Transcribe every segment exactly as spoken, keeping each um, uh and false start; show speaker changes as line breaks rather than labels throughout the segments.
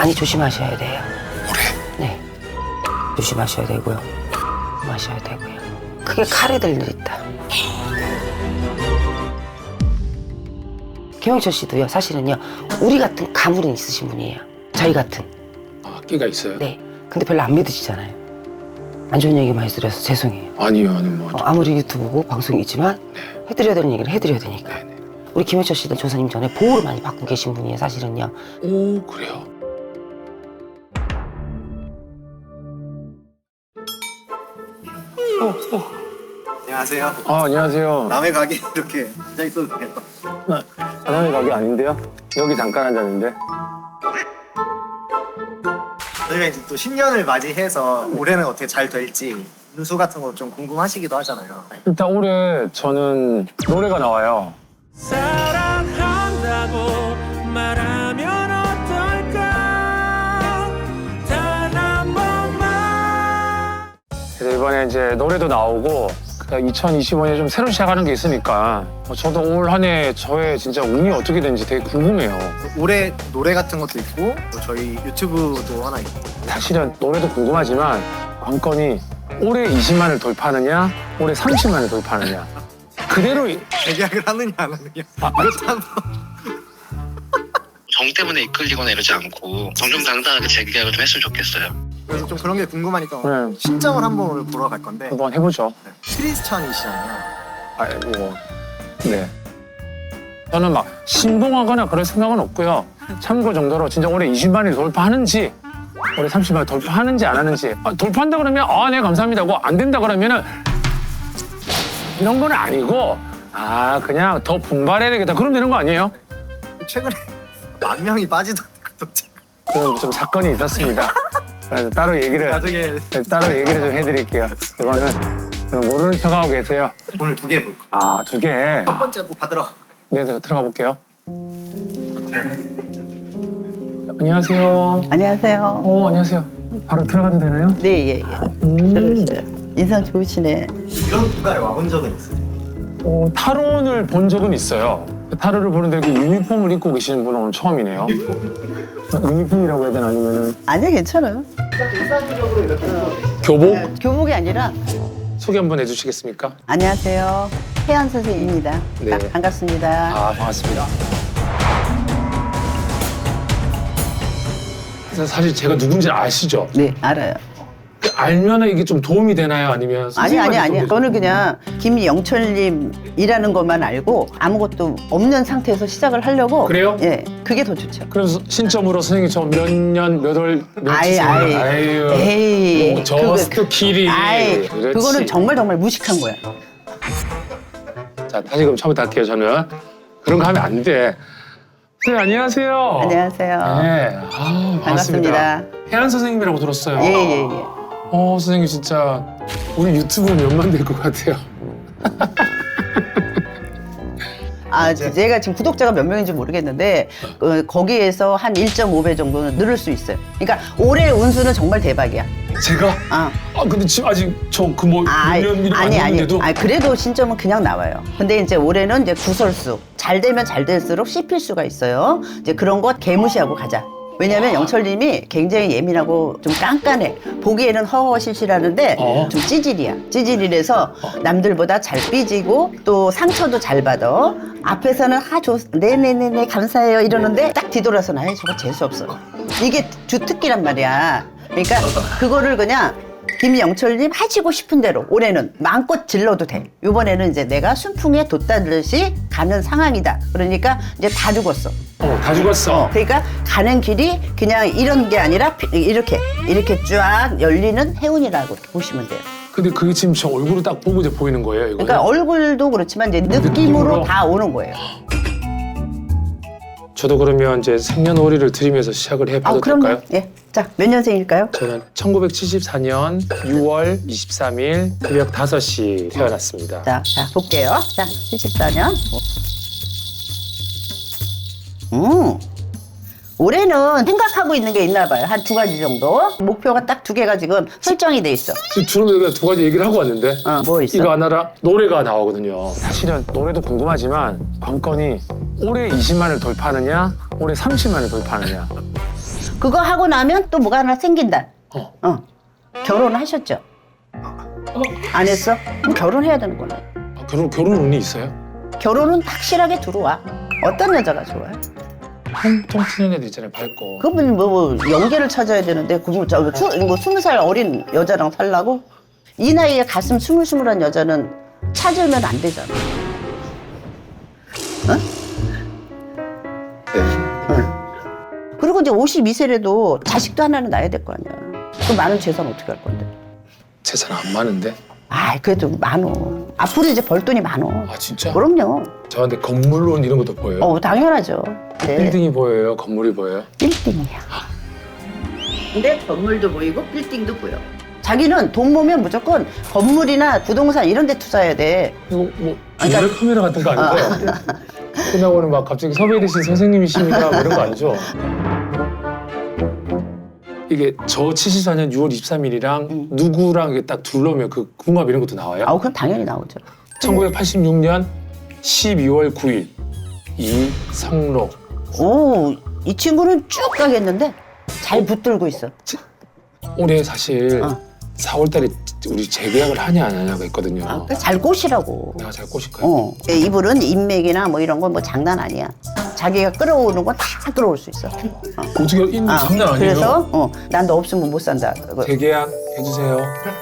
많이 조심하셔야 돼요.
올해?
네. 조심하셔야 되고요. 마셔야 되고요. 크게 칼이 될 일 있다. 김영철 씨도요, 사실은요, 우리 같은 가물은 있으신 분이에요. 저희 같은.
아, 끼가 있어요?
네. 근데 별로 안 믿으시잖아요. 안 좋은 얘기 많이 드려서 죄송해요.
아니요, 아니 뭐.
어, 아무리 유튜브고 방송이지만
네.
해드려야 되는 얘기를 해드려야 되니까.
네네.
우리 김영철 씨는 조사님 전에 보호를 많이 받고 계신 분이에요, 사실은요.
오, 그래요?
안녕하세요.
아, 안녕하세요.
남의 가게 이렇게 앉아 있어도 돼요?
사장님 가게 아닌데요? 여기 잠깐 앉았는데.
저희가 이제 또 신년을 맞이해서 올해는 어떻게 잘 될지 운수 같은 거 좀 궁금하시기도 하잖아요.
일단 올해 저는 노래가 나와요.
사랑한다고 말하면 어떨까 단 한 번만.
그래서 이번에 이제 노래도 나오고 이천이십오 년에 좀 새로 시작하는 게 있으니까 어, 저도 올 한 해 저의 진짜 운이 어떻게 되는지 되게 궁금해요.
올해 노래 같은 것도 있고 또 저희 유튜브도 하나 있고
사실은 노래도 궁금하지만 관건이 올해 이십만을 돌파하느냐 올해 삼십만을 돌파하느냐 그대로 이-
재계약을 하느냐 안 하느냐 이것도 한번
정 때문에 이끌리거나 이러지 않고 정정당당하게 재계약을 좀 했으면 좋겠어요.
그래서 좀 그런 게 궁금하니까
네.
신점을 한번 오늘 보러 갈 건데
한번 해보죠.
네. 크리스찬이시잖아요.
아이고 네. 저는 막 신봉하거나 그럴 생각은 없고요. 참고 정도로 진짜 올해 이십만을 돌파하는지 올해 삼십만을 돌파하는지 안 하는지 아, 돌파한다 그러면 아 네 감사합니다 하고 안 된다 그러면은 이런 건 아니고 아 그냥 더 분발해야 되겠다 그러면 되는 거 아니에요?
최근에 만 명이 빠지던데 구독자.
그런 좀 사건이 있었습니다. 그래서 따로 얘기를
나중에
따로 얘기를 좀 해드릴게요. 이거는 모르는 척하고 계세요.
오늘 두 개 볼 거예요.
아 두 개.
첫 번째 뭐 받으러
네, 네 들어가 볼게요. 안녕하세요.
안녕하세요.
어 안녕하세요. 바로 들어가도 되나요?
네, 예, 예.
음.
들어오세요. 인상 좋으시네.
이런 국가에 와본 적은 있어요?
어, 타론을 본 적은 있어요. 타로를 보는데 그 유니폼을 입고 계시는 분은 오늘 처음이네요. 유니폼이라고 해야 되나 아니면은
아니요, 괜찮아요.
교복
교복이 아니라
소개 한번 해주시겠습니까?
안녕하세요. 혜연 선생님입니다.
네.
아, 반갑습니다.
아 반갑습니다. 사실 제가 누군지 아시죠?
네, 알아요.
그 알면은 이게 좀 도움이 되나요? 아니면
아니,
선생님한테
아니, 아니.
좀
저는 그냥 김영철님이라는 것만 알고 아무것도 없는 상태에서 시작을 하려고.
그래요?
예, 그게 더 좋죠.
그래서 신점으로 선생님 저 몇 년, 몇 월,
아이,
며칠
아이.
아유,
에이.
뭐 저스트 키리.
아이,
그렇지.
그거는 정말 정말 무식한 거야.
자, 다시 그럼 처음부터 할게요, 저는. 그런 거 하면 안 돼. 네, 안녕하세요.
안녕하세요.
네, 아, 반갑습니다.
반갑습니다.
혜안 선생님이라고 들었어요.
예, 예, 예.
어, 선생님 진짜 우리 유튜브 몇만 될 것 같아요.
아, 제가 지금 구독자가 몇 명인지 모르겠는데 어, 거기에서 한 일 점 오 배 정도는 늘을 수 있어요. 그러니까 올해 운수는 정말 대박이야.
제가?
아,
아, 근데 지금 아직 저 그 뭐
아,
일 년이
아니, 아니,
아닌데도
아니, 그래도 신점은 그냥 나와요. 근데 이제 올해는 이제 구설수. 잘 되면 잘 될수록 씹힐 수가 있어요. 이제 그런 거 개무시하고 가자. 왜냐면 영철님이 굉장히 예민하고 좀 깐깐해. 보기에는 허허실실하는데
어.
좀 찌질이야. 찌질이라서 남들보다 잘 삐지고 또 상처도 잘 받아. 앞에서는 아, 좋, 네네네네 감사해요 이러는데 딱 뒤돌아서는 아이 저거 재수없어. 이게 주특기란 말이야. 그러니까 그거를 그냥 김영철님 하시고 싶은 대로 올해는 마음껏 질러도 돼. 이번에는 이제 내가 순풍에 돛다듯이 가는 상황이다. 그러니까 이제 다 죽었어.
어, 다 죽었어.
그러니까 가는 길이 그냥 이런 게 아니라 피- 이렇게 이렇게 쫙 열리는 해운이라고 이렇게 보시면 돼요.
근데 그게 지금 저 얼굴을 딱 보고 이제 보이는 거예요, 이거.
그러니까 얼굴도 그렇지만 이제 느낌으로,
느낌으로?
다 오는 거예요.
저도 그러면 이제 생년월일을 드리면서 시작을 해봐도
아, 그럼요.
될까요?
예. 자, 몇 년생일까요?
저는 천구백칠십사 년 유월 이십삼 일 새벽 다섯 시 태어났습니다.
자, 자, 볼게요. 자, 칠십사 년. 음. 올해는 생각하고 있는 게 있나 봐요. 한 두 가지 정도. 목표가 딱 두 개가 지금 설정이 돼 있어.
지금 주로 내가 두 가지 얘기를 하고 왔는데
어, 뭐 있어?
이거 하나라 노래가 나오거든요. 사실은 노래도 궁금하지만 관건이 올해 이십만을 돌파하느냐 올해 삼십만을 돌파하느냐
그거 하고 나면 또 뭐가 하나 생긴다.
어.
어. 결혼하셨죠? 안 했어? 그럼 결혼해야 되는 거네.
아, 결혼 결혼 운이 있어요?
결혼은 확실하게 들어와. 어떤 여자가 좋아요?
통통 튀는 애들 있잖아요, 밝고.
그분 뭐, 뭐 연계를 찾아야 되는데 그분 저뭐 스무 살 어린 여자랑 살라고? 이 나이에 가슴 스물스물한 여자는 찾으면 안 되잖아. 어? 응. 그리고 이제 오십이 세래도 자식도 하나는 낳아야 될 거 아니야. 그 많은 재산 어떻게 할 건데?
재산 안 많은데?
아, 그래도 많어. 앞으로 이제 벌 돈이 많어.
아 진짜?
그럼요.
저한테 건물론 이런 것도 보여요?
어, 당연하죠. 네.
빌딩이 보여요? 건물이 보여요?
빌딩이야. 근데 건물도 보이고 빌딩도 보여. 자기는 돈 모으면 무조건 건물이나 부동산 이런 데 투자해야 돼.
이거 뭐
그러니까-
몰래 카메라 같은 거 아닌데? 끝나고는 막 갑자기 섭외되신 선생님이십니다 뭐 이런 거 아니죠? 이게 저 칠십사 년 유월 이십삼일이랑
응.
누구랑 이게 딱 둘러면 그 궁합 이런 것도 나와요?
아우, 그럼 당연히 나오죠.
천구백팔십육 년 십이월 구일 이성록.
오, 이 친구는 쭉 가겠는데 잘 붙들고 있어.
올해 사실
어.
사월 달에 우리 재계약을 하냐 안 하냐가 있거든요.
아, 그잘 꼬시라고.
내가 잘 꼬실까요?
어. 이불은 인맥이나 뭐 이런 건 뭐 장난 아니야. 자기가 끌어오는 건 다 끌어올 수 있어. 어.
어떻게 있는
아,
장난 아니에요?
그래서 어, 난 너 없으면 못 산다. 그거
재계약 해주세요.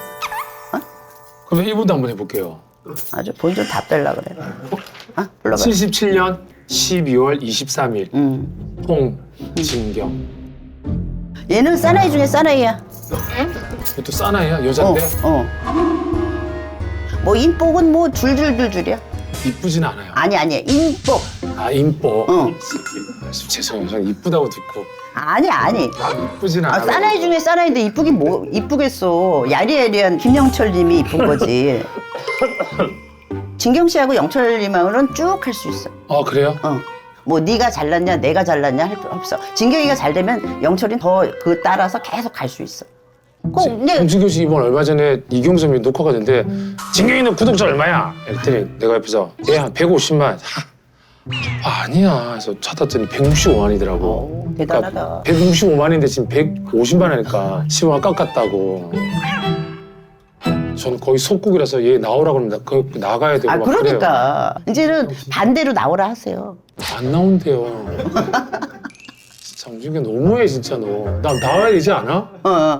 그럼 일 분도 한번 해볼게요.
아주 본 좀 답달라 그래. 아, 불러봐.
칠십칠 년 십이월 이십삼일
음.
홍진경.
얘는 사나이 중에 사나이야.
이것도 싸나이야? 여잔데?
어, 어. 뭐 인복은 뭐 줄줄줄줄이야.
이쁘진 않아요.
아니 아니야. 인복.
아 인뽀.
어.
아, 죄송해요. 저는 이쁘다고 듣고
아니 아니.
이쁘진
아,
않아요.
사나이 중에 사나이인데 이쁘긴 뭐 이쁘겠어. 야리야리한 김영철님이 이쁜 거지. 진경 씨하고 영철님하고는 쭉 할 수 있어.
아 그래요?
어. 뭐 네가 잘났냐 내가 잘났냐 할 필요 없어. 진경이가 잘 되면 영철이 더 그 따라서 계속 갈 수 있어. 꼭 근데
홍진경 씨 이번 얼마 전에 이경섭이 녹화가 됐는데 진경이는 구독자 얼마야? 이랬더니 내가 옆에서 얘 한 백오십만. 아, 아니야. 그래서 찾았더니 백육십오만이더라고.
오, 대단하다.
백육십오만인데 지금 백오십만 하니까 십오만 깎았다고. 저는 거의 속국이라서 얘 나오라고 그러면 나, 그, 나가야 되고
아
막
그러니까 이제는 반대로 나오라 하세요.
그래요. 안 나온대요. 진짜 홍진경 너무해 진짜 너. 나 나와야 되지 않아?
어.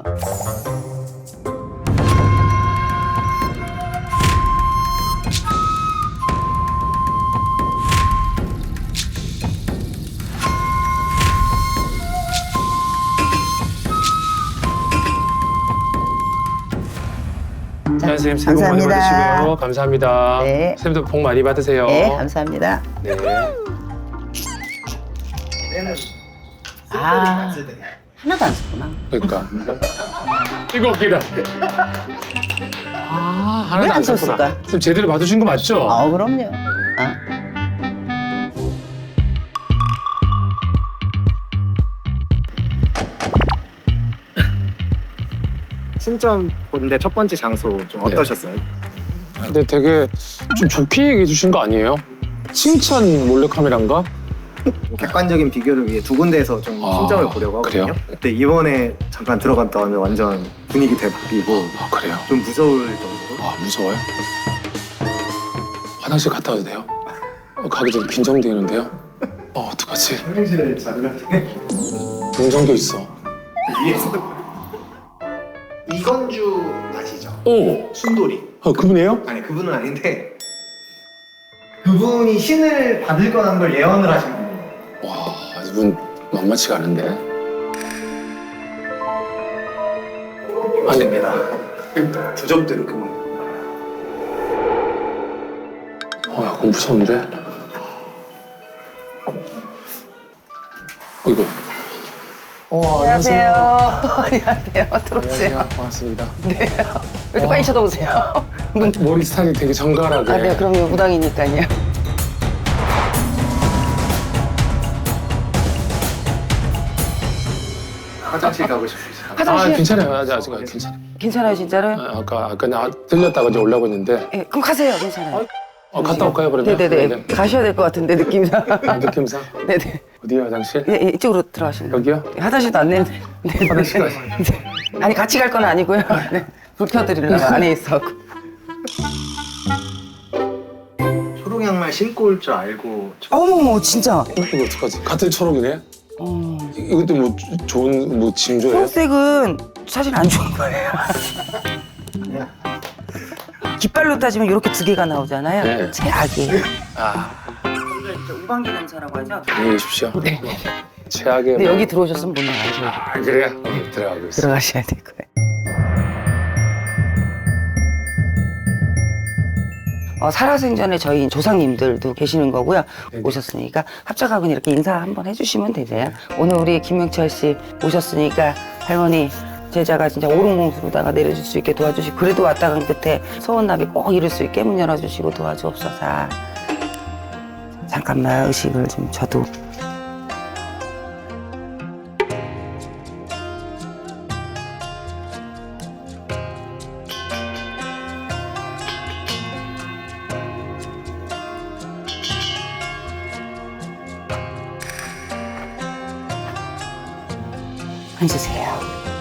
자, 선생님 새해 복 많이
감사합니다.
받으시고요. 감사합니다.
네.
선생님도 복 많이 받으세요.
네 감사합니다.
네.
얘는
아 하나도 안 썼구나.
그러니까 이거 웃기다. 아 하나도
왜 안
안 썼구나.
썼을까?
선생님 제대로 봐주신 거 맞죠?
어 그럼요. 어.
신점 본데 첫 번째 장소 좀
네.
어떠셨어요?
근데 되게 좀 좋게 얘기해 주신 거 아니에요? 칭찬 몰래카메라인가?
뭐 객관적인 비교를 위해 두 군데에서 좀
아,
신점을 보려고 하거든요.
그래요?
근데 이번에 잠깐 들어갔다 오면 완전 분위기 대박이고
아 그래요?
좀 무서울 정도로.
아 무서워요? 화장실 갔다 와도 돼요? 어, 가기 전에 빈정되는데요? 어 어떡하지?
화장실에 잠깐
빈정도 있어.
위에서 이건주 아시죠?
오!
순돌이.
아 그분이에요?
아니 그분은 아닌데 그분이 신을 받을 거라는 걸 예언을 하신 분이에요.
와 이분 만만치가 않은데. 아니
됩니다. 두 점대로 그분.
어, 약간 무서운데? 이거.
어, 안녕하세요. 안녕하세요. 들어오세요.
반갑습니다.
네. 이렇게 빨리 쳐다보세요.
머리 스타일이 되게 정갈하게.
아, 네, 그럼요. 무당이니까요.
화장실 가고 싶으시죠?
아,
화장실.
괜찮아요. 아직, 아직 괜찮아요.
괜찮아요, 진짜로요?
아, 아까, 아까 나 들렸다가 이제 올라오고 있는데.
네, 그럼 가세요. 괜찮아요.
어, 갔다 올까요, 그러면?
네네네. 가셔야 될 것 같은데, 느낌상.
아, 느낌상?
네네.
어디야 화장실?
예, 예, 이쪽으로 들어가시면 돼요.
여기요?
예, 화장실도 안 내는데. 네,
화장실까지.
네. 아니 같이 갈 건 아니고요. 네. 불 켜드리려고 안에 있어갖고.
초록 양말 신고 올 줄 알고
어머머 진짜.
이거 어떡하지? 같은 초록이네?
어.
이것도 뭐 좋은 뭐 징조예요?
초록색은 사실 안 좋은 거예요. 깃발로 따지면 이렇게 두 개가 나오잖아요.
네.
최악이에요.
아,
우방기 검사라고 하죠.
안녕히 계십시오.
네.
최악의
근데
뭐-
여기 들어오셨으면 못 나가죠.
아, 그래요? 어, 들어가고 있어.
들어가셔야 될 거예요. 어, 살아생전에 저희 조상님들도 계시는 거고요.
네네.
오셨으니까 합작하고 이렇게 인사 한번 해주시면 되세요. 오늘 우리 김명철 씨 오셨으니까 할머니 제자가 진짜 오른공수로다가 내려줄 수 있게 도와주시고 그래도 왔다 간 끝에 소원납이 꼭 이룰 수 있게 문 열어주시고 도와주옵소서. 잠깐만 의식을 좀 저도. 앉으세요.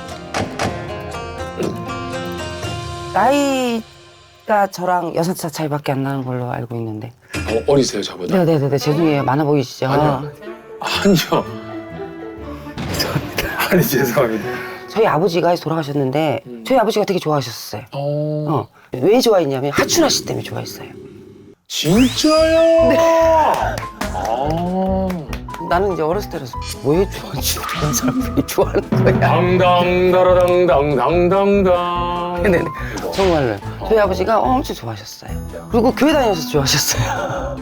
나이가 저랑 여섯 살 차이밖에 안 나는 걸로 알고 있는데.
어, 어리세요 저보다?
네네네 죄송해요. 많아 보이시죠?
아니요. 아니요. 아니 죄송합니다.
저희 아버지가 돌아가셨는데
음.
저희 아버지가 되게 좋아하셨어요.
어,
어. 왜 좋아했냐면 하춘아 씨 때문에 좋아했어요.
진짜요? 네. 아,
나는 이제 어렸을 때라서 왜 좋아하지? 그런 사람들이 좋아하는 거야.
당당다라당당당당당.
네네. 정말로 저희 아버지가 엄청 좋아하셨어요. 그리고 교회 다녀서 좋아하셨어요.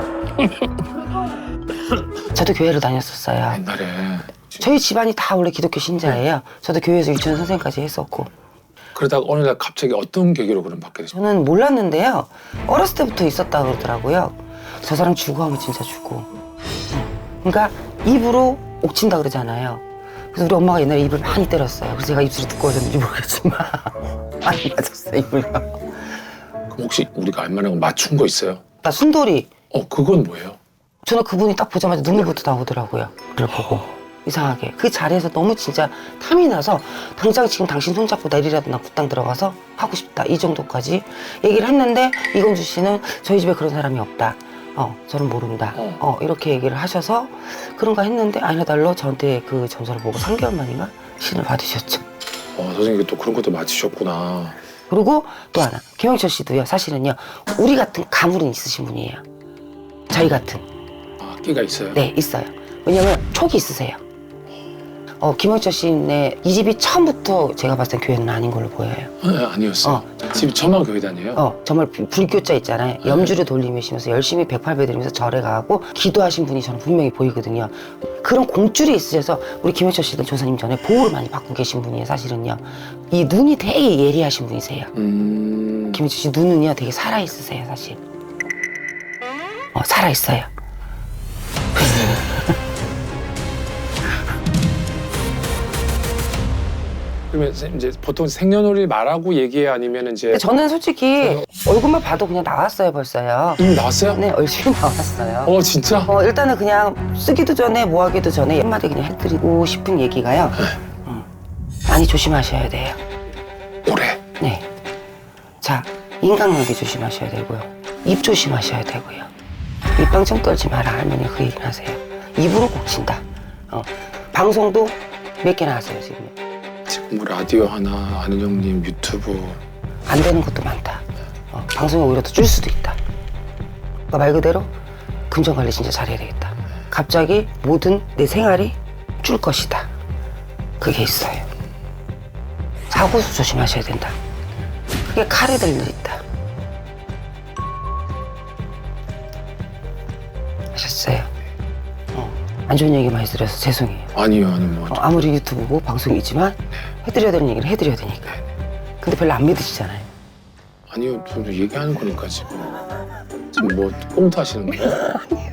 저도 교회를 다녔었어요.
옛날에
저희 집안이 다 원래 기독교 신자예요. 저도 교회에서 유치원 선생까지 했었고.
그러다가 어느 날 갑자기 어떤 계기로 그럼 받게 되죠?
저는 몰랐는데요. 어렸을 때부터 있었다 그러더라고요. 저 사람 죽어 하면 진짜 죽어. 응. 그러니까 입으로 옥친다 그러잖아요. 그래서 우리 엄마가 옛날에 입을 많이 때렸어요. 그래서 제가 입술이 두꺼워졌는지 모르겠지만 많이 맞았어요, 입을요.
그럼 혹시 우리가 알만한 거 맞춘 거 있어요?
나 순돌이.
어, 그건 뭐예요?
저는 그분이 딱 보자마자 눈물부터 나오더라고요. 그걸 보고. 이상하게. 그 자리에서 너무 진짜 탐이 나서 당장 지금 당신 손잡고 내리라도 나 굿당 들어가서 하고 싶다. 이 정도까지 얘기를 했는데 이건주 씨는 저희 집에 그런 사람이 없다. 어, 저는 모른다.
어.
어, 이렇게 얘기를 하셔서 그런가 했는데 아니나 달러 저한테 그 점수를 보고 삼 개월 만인가 신을 받으셨죠.
어, 선생님이 또 그런 것도 맞히셨구나.
그리고 또 하나. 김영철 씨도요. 사실은요. 우리 같은 가물은 있으신 분이에요. 저희 같은.
아, 끼가 있어요?
네, 있어요. 왜냐면 촉이 있으세요. 어, 김영철 씨네 이 집이 처음부터 제가 봤을 땐 교회는 아닌 걸로 보여요.
아, 아니었어요. 집이 저만 교회 다녀요?
어, 정말 불- 불교자 있잖아요. 염주를 돌리시면서 열심히 백팔 배 드리면서 절에 가고 기도하신 분이 저는 분명히 보이거든요. 그런 공줄이 있으셔서 우리 김영철 씨도 조사님 전에 보호를 많이 받고 계신 분이에요, 사실은요. 이 눈이 되게 예리하신 분이세요.
음.
김영철 씨 눈은요 되게 살아있으세요, 사실. 어, 살아있어요.
그러면 이제 보통 생년월일 말하고 얘기해 아니면 이제
근데 저는 솔직히 얼굴만 봐도 그냥 나왔어요, 벌써요.
이미 나왔어요?
네, 얼굴이 나왔어요.
어, 진짜?
어, 일단은 그냥 쓰기도 전에 뭐 하기도 전에 한마디 그냥 해드리고 싶은 얘기가요. 음, 많이 조심하셔야 돼요.
올해.
네. 자, 인간관계 조심하셔야 되고요. 입 조심하셔야 되고요. 입방정 떨지 마라 할머니 그 얘기는 하세요. 입으로 꼭 친다. 어, 방송도 몇 개나 하세요 지금.
지금 뭐 라디오 하나, 아는 형님 유튜브.
안 되는 것도 많다. 어, 방송이 오히려 더 줄 수도 있다. 그러니까 말 그대로 금전관리 진짜 잘해야 되겠다. 갑자기 모든 내 생활이 줄 것이다. 그게 있어요. 사고수 조심하셔야 된다. 그게 칼이 될 일 있다. 하셨어요? 어, 안 좋은 얘기 많이 들어서 죄송해요.
아니요, 아니 뭐.
어, 아무리 유튜브고 방송이지만 해드려야 되는 얘기를 해드려야 되니까. 근데 별로 안 믿으시잖아요.
아니요, 좀 얘기하는 거니까 지금. 지금 뭐 꽁트 하시는 거예요?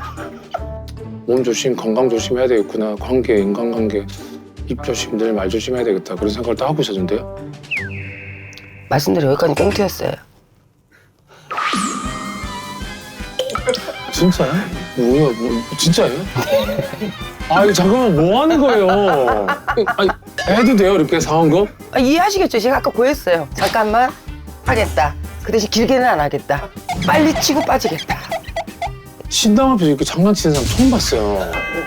몸 조심, 건강 조심해야 되겠구나. 관계, 인간관계. 입 조심, 늘 말 조심해야 되겠다. 그런 생각을 다 하고 있었는데요.
말씀대로 여기까지 꽁트였어요.
진짜요? 뭐야, 뭐, 진짜예요? 아니, 잠깐만, 뭐 하는 거예요? 아니, 해도 돼요, 이렇게 상황극?
아, 이해하시겠죠? 제가 아까 고했어요. 잠깐만 하겠다. 그 대신 길게는 안 하겠다. 빨리 치고 빠지겠다.
신당 앞에서 이렇게 장난치는 사람 처음 봤어요.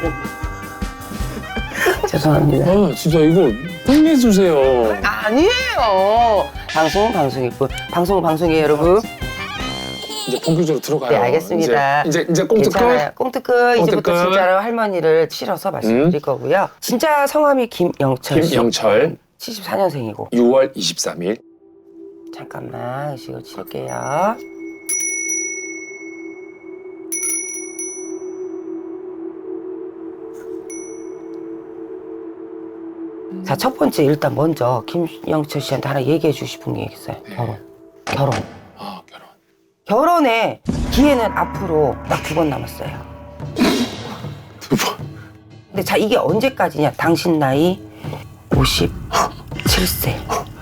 죄송합니다.
아, 진짜 이거 혼내주세요.
아니에요. 방송은 방송이고 방송은 방송이에요, 여러분.
이제 본격적으로 들어가요.
네, 알겠습니다.
이제, 이제, 이제 꽁트 끝?
괜찮아요. 꽁트 끝. 이제부터
끝.
진짜로 할머니를 치러서 말씀드릴
음.
거고요. 진짜 성함이 김영철 씨.
김영철,
칠십사 년생이고.
유월 이십삼일.
잠깐만 의식을 치를게요. 자, 첫 번째 일단 먼저 김영철 씨한테 하나 얘기해 주고 싶은 게 있어요.
네.
결혼. 결혼.
아, 결혼.
결혼의 기회는 앞으로 딱 두 번 남았어요.
두 번.
근데 자, 이게 언제까지냐? 당신 나이 오십칠 세.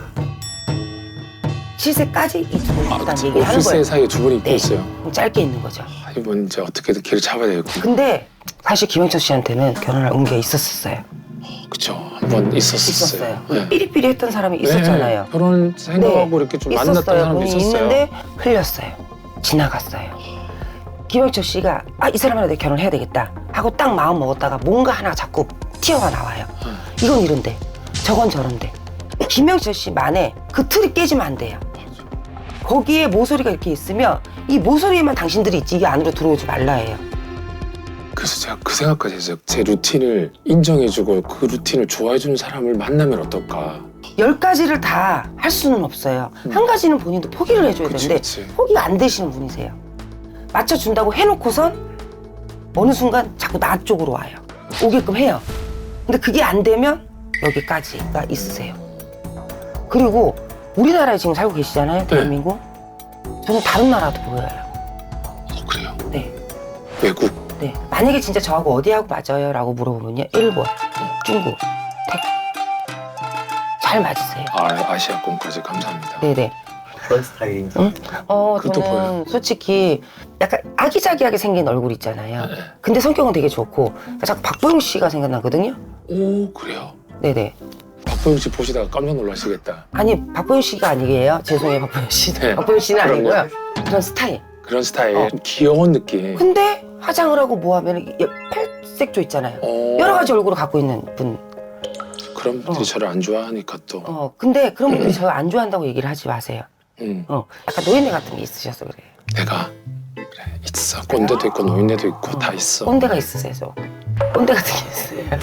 칠 세까지 이 두 분이 있다는 얘기를 하는
오십 세
거예요.
사이에 두 분이 있고
네.
있어요.
그럼 짧게 있는 거죠.
아, 이번 이제 어떻게든 길을 잡아야 되겠구나.
근데 사실 김영철 씨한테는 결혼할 운기가 있었었어요.
그쵸. 한 번 있었어요.
있었어요.
네.
삐리삐리 했던 사람이 있었잖아요.
네, 결혼 생각하고 이렇게 좀 만났던
있었어요.
사람도
본인이
있었어요.
있는데 흘렸어요. 지나갔어요. 김영철 씨가 아, 이 사람이랑 내가 결혼해야 되겠다 하고 딱 마음 먹었다가 뭔가 하나 자꾸 튀어가 나와요.
음.
이건 이런데 저건 저런데 김영철 씨만의 그 틀이 깨지면 안 돼요. 거기에 모서리가 이렇게 있으면 이 모서리에만 당신들이 있지 이 안으로 들어오지 말라 해요.
그래서 제가 그 생각까지 했어요. 제 루틴을 인정해주고 그 루틴을 좋아해주는 사람을 만나면 어떨까.
열 가지를 다 할 수는 없어요.
음.
한 가지는 본인도 포기를 해줘야
그치,
되는데
그치.
포기가 안 되시는 분이세요. 맞춰준다고 해놓고선 어느 순간 자꾸 나 쪽으로 와요. 오게끔 해요. 근데 그게 안 되면 여기까지가 있으세요. 그리고 우리나라에 지금 살고 계시잖아요, 대한민국. 저는 다른 나라도 보여요.
어, 그래요?
네.
외국.
네. 만약에 진짜 저하고 어디하고 맞아요? 라고 물어보면요. 일본, 중국, 태국. 잘 맞으세요.
아, 아시아권까지 감사합니다.
네네.
그런 스타일인가?
응? 어,
그것도
저는
보여요.
솔직히 약간 아기자기하게 생긴 얼굴 있잖아요.
네.
근데 성격은 되게 좋고 자꾸 박보영 씨가 생각나거든요.
오, 그래요?
네네.
박보영 씨 보시다가 깜짝 놀라시겠다.
아니 박보영 씨가 아니에요. 죄송해요 박보영 씨.
네.
박보영 씨는
그럼요.
아니고요. 그런 스타일.
그런 스타일,
어.
좀 귀여운 느낌.
근데 화장을 하고 뭐 하면 팔색조 있잖아요.
어,
여러 가지 얼굴을 갖고 있는 분.
그런 분들이
어.
저를 안 좋아하니까 또.
어 근데 그런 분들이 저 안 좋아한다고 얘기를 하지 마세요.
음,
어 약간 노인네 같은 게 있으셔서 그래요.
내가 그래 있어. 꼰대도 있고 노인네도 있고 다 있어.
꼰대가 있으세요. 저. 꼰대 같은 게 있어요.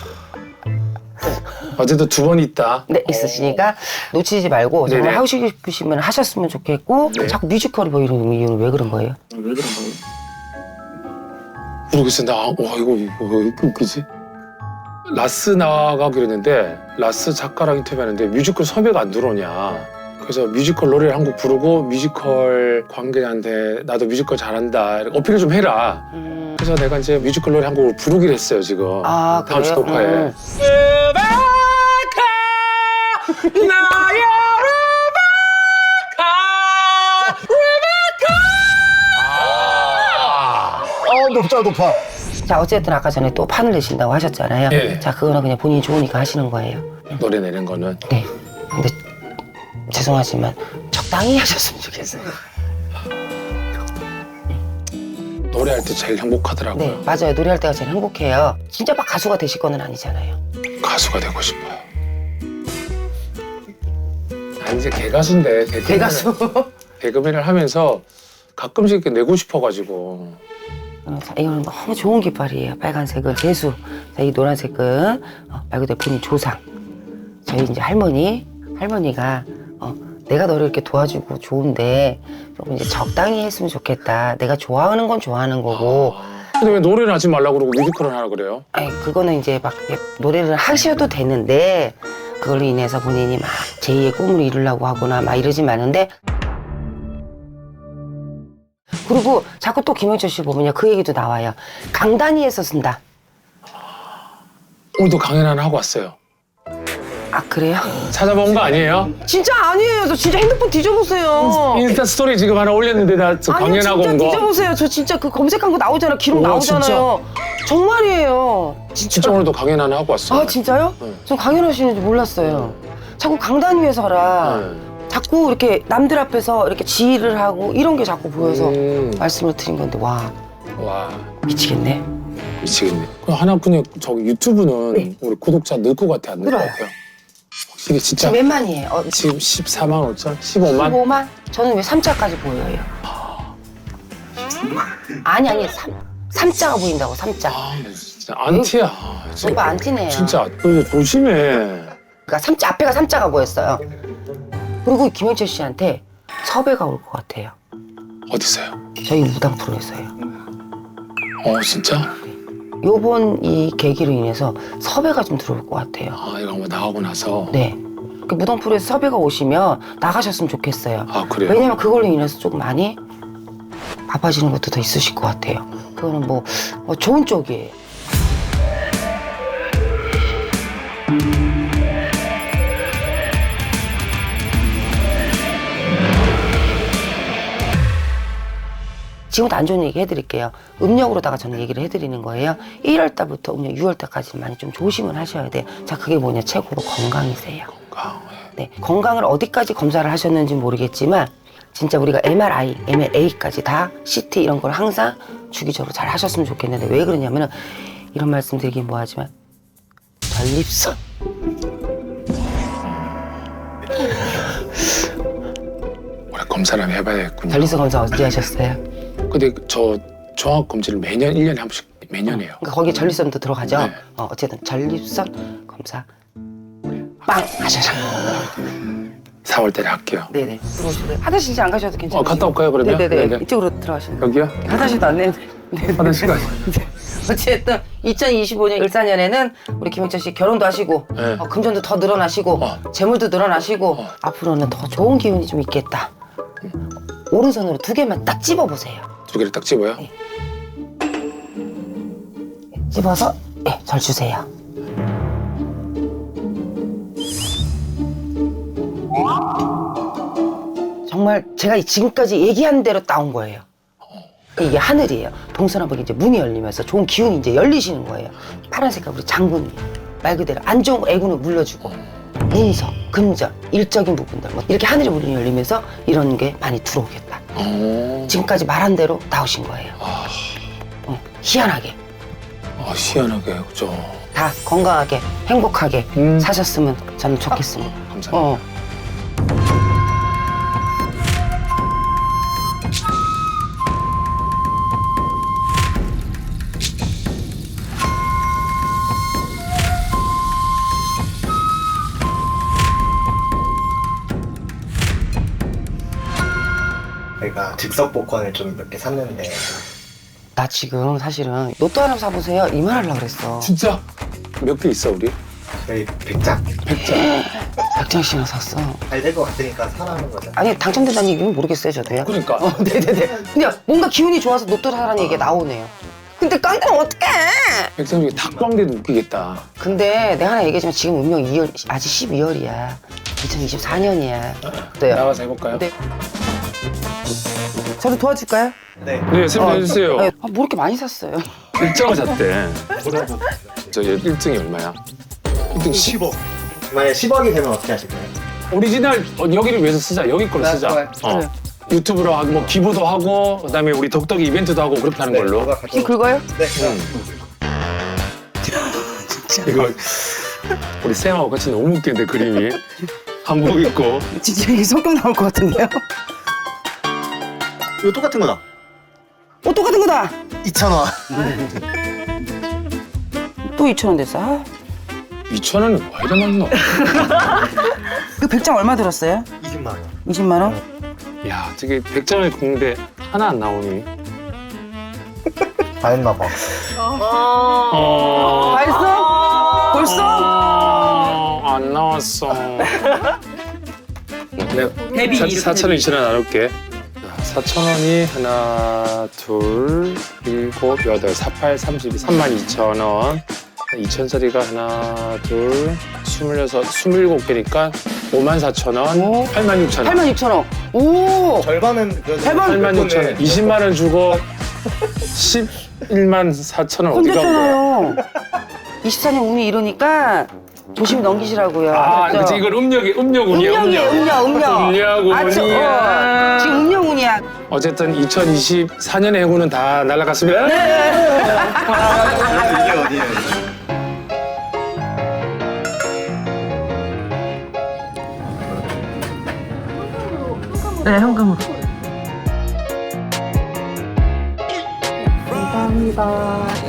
어제도 두 번 있다.
네, 있으시니까 놓치지 말고 정말
네네.
하고 싶으시면 하셨으면 좋겠고
네.
자꾸 뮤지컬이 보이는 이유는 왜 그런 거예요?
왜 그런 거예요?
모르겠어. 나, 와, 이거, 이거 왜 이렇게 웃기지? 라스 나가기로 했는데, 라스 작가랑 인터뷰하는데 뮤지컬 섭외가 안 들어오냐. 그래서 뮤지컬 노래를 한 곡 부르고 뮤지컬 관계자한테 나도 뮤지컬 잘한다. 어필을 좀 해라.
음...
그래서 내가 이제 뮤지컬 노래 한 곡을 부르기로 했어요, 지금.
아,
다음 주
그래요?
녹화에.
음.
어 높다 높아.
자, 어쨌든 아까 전에 또 판을 내신다고 하셨잖아요.
네.
자, 그거는 그냥 본인이 좋으니까 하시는 거예요.
노래 내는 거는.
네. 근데 죄송하지만 적당히 하셨으면 좋겠어요.
노래할 때 제일 행복하더라고요.
네, 맞아요. 노래할 때가 제일 행복해요. 진짜 막 가수가 되실 거는 아니잖아요.
가수가 되고 싶어요. 난 이제 개가수인데 개그맨을-
대가수.
개그맨을 하면서 가끔씩 이렇게 내고 싶어가지고.
어, 자, 이거는 너무 좋은 깃발이에요. 빨간색은 재수, 자, 이 노란색은 어, 말 그대로 본인 조상. 저희 이제 할머니, 할머니가 어, 내가 너를 이렇게 도와주고 좋은데 조금 이제 적당히 했으면 좋겠다. 내가 좋아하는 건 좋아하는 거고.
근데 왜 노래를 하지 말라고 그러고 뮤지컬을 하라 그래요?
아니 그거는 이제 막 이렇게 노래를 하셔도 되는데 그걸로 인해서 본인이 막 제이의 꿈을 이루려고 하거나 막 이러지 마는데. 그리고 자꾸 또 김영철 씨 보면요 그 얘기도 나와요. 강단위에서 쓴다.
오늘도 강연 하나 하고 왔어요.
아 그래요?
찾아본 거 아니에요?
진짜 아니에요. 저 진짜 핸드폰 뒤져보세요.
인스타 스토리 지금 하나 올렸는데 나 저
아니요
강연하고
진짜
온 거.
뒤져보세요. 저 진짜 그 검색한 거 나오잖아. 기록
우와,
나오잖아요. 정말이에요. 진짜.
진짜 오늘도 강연 하나 하고 왔어.
아 진짜요?
네.
전 강연하시는지 몰랐어요. 자꾸 강단 위에서 하라.
네.
자꾸 이렇게 남들 앞에서 이렇게 지휘를 하고 이런 게 자꾸 보여서
음.
말씀을 드린 건데 와
와
미치겠네.
미치겠네. 그 하나뿐이 저기 유튜브는
네.
우리 구독자 늘 것 같아 안 늘 것
늘어요.
같아요? 확실히 진짜
지금 몇 만이에요? 어,
지금 십사만 오천? 십오만?
십오만? 저는 왜 삼자까지 보여요? 아니 아니 삼, 삼자가 보인다고 삼자.
아 진짜 안티야.
오빠 안티네요.
진짜 너 조심해.
그러니까 삼자 앞에가 삼자가 보였어요. 그리고 김영철 씨한테 섭외가 올 것 같아요.
어디서요?
저희 무당 프로에서요.
어 진짜?
요번 이 계기로 인해서 섭외가 좀 들어올 것 같아요.
아 이거 한번 나가고 나서.
네. 그 무당 프로에서 섭외가 오시면 나가셨으면 좋겠어요.
아 그래요?
왜냐면 그걸로 인해서 조금 많이 바빠지는 것도 더 있으실 것 같아요. 그거는 뭐, 뭐 좋은 쪽이에요. 지금부터 안 좋은 얘기 해드릴게요. 음력으로다가 저는 얘기를 해드리는 거예요. 일월 달부터 음력 유월 달까지 많이 좀 조심을 하셔야 돼요. 자, 그게 뭐냐? 최고로 건강이세요.
건강.
네, 건강을 어디까지 검사를 하셨는지 모르겠지만 진짜 우리가 엠알아이, 엠알에이까지 다 씨티 이런 걸 항상 주기적으로 잘 하셨으면 좋겠는데 왜 그러냐면은 이런 말씀 드리긴 뭐하지만 전립선
올해 검사를 한번 해봐야겠군요.
전립선 검사 언제 하셨어요?
근데 저 종합 검진을 매년 일 년에 한 번씩 매년 해요.
그러니까 거기에 전립선도 들어가죠?
네.
어, 어쨌든 전립선 검사 빵 하셔서
사월 달에 할게요.
네네 들어오시고요. 화장실 이제 안 가셔도 괜찮아요.
어, 갔다 올까요, 그러면?
네네네
네네.
이쪽으로 들어가시면 돼요.
여기요?
화장실도 안 내네.
화장실까지.
어쨌든 이천이십오 년 일사 년에는 우리 김영철 씨 결혼도 하시고
네.
어, 금전도 더 늘어나시고
어.
재물도 늘어나시고
어.
앞으로는 더 좋은 기운이 좀 있겠다. 오른손으로 두 개만 딱 집어보세요.
두 개를 딱 집어요?
네. 집어서 네, 절 주세요. 정말 제가 지금까지 얘기한 대로 따온 거예요. 이게 하늘이에요. 동서남북 이제 문이 열리면서 좋은 기운이 이제 열리시는 거예요. 파란색깔 우리 장군이 말 그대로 안 좋은 애군을 물려주고 문서, 금전, 일적인 부분들 뭐 이렇게 하늘의 문이 열리면서 이런 게 많이 들어오겠다.
어.
지금까지 말한 대로 나오신 거예요.
아,
어, 희한하게
아 희한하게 그죠.
다 건강하게 행복하게
음.
사셨으면 저는 좋겠습니다.
감사합니다.
어.
저희가 즉석 복권을 좀 몇 개 샀는데
나 지금 사실은 로또 하나 사보세요 이 말 하려고 그랬어.
진짜 몇 개 있어 우리?
저희 백 장
백 장.
백 장씩이나 샀어.
잘 될 것 같으니까 사라는 거죠.
아니 당첨된다는 얘기는 모르겠어요 저도요.
그러니까.
어, 네네네. 그냥 뭔가 기운이 좋아서 로또 사라는 얘기가 나오네요. 근데 깡패는 어떡해?
백 장 중에 닭광대도 웃기겠다.
근데 내가 하나 얘기하지만 지금 운명 이월 아직 십이월이야. 이천이십사 년이야. 어때요?
나가서 해볼까요?
네. 저도 도와줄까요?
네.
네, 설명해주세요.
네. 아, 뭐 이렇게 많이 샀어요?
일 장을 샀대. 저 일 등이 얼마야? 일 등 십억.
만약에 십억이 되면 어떻게 하실 거예요?
오리지널 어, 여기를 위해서 쓰자. 여기 걸로 쓰자.
좋아요.
어.
그래요.
유튜브로 하고 뭐 기부도 하고 그다음에 우리 덕덕이 이벤트도 하고 그렇게 하는 걸로.
뭐가
이
가장-
긁어요?
네.
이거 우리 쌤하고 같이 너무 웃긴데 그림이 한복 입고
진짜 이게 성격 나올 것 같은데요?
이거 똑같은 거다.
어, 똑같은 거다!
이천 원.
또 이천 원 됐어. 아,
이천 원은 왜 이래 많노?
그 백 장 얼마 들었어요?
이십만 원.
이십만 원?
야 저게 백 장을 긁는데 하나 안 나오니?
다 했나 봐.
어...
벌써? 벌써?
어... 안 나왔어. 내가 사천 원, 이천 원 나눌게. 사천 원이 하나, 둘, 일곱, 여덟, 사팔, 삼십이, 삼만 이천 원. 이천짜리가 하나, 둘, 스물여섯, 스물일곱 개니까 오만 사천 원, 팔만 육천 원.
팔만 육천 원. 오.
절반은 그래도
대박.
팔만 육천 원. 이십만 원 주고 십일만 사천 원 어디 가고.
건졌잖아요. 이십사 년 운이 이러니까 조심히 넘기시라고요.
아,
알았죠?
그치, 이건 음력이, 음력운이야,
음력이에요, 음력, 음력.
음력운이야.
아, 저, 어, 지금 음력운이야.
어쨌든 이천이십사 년의 행운은 다 날아갔습니다.
이게 어디예요?
네, 현금으로.
감사합니다.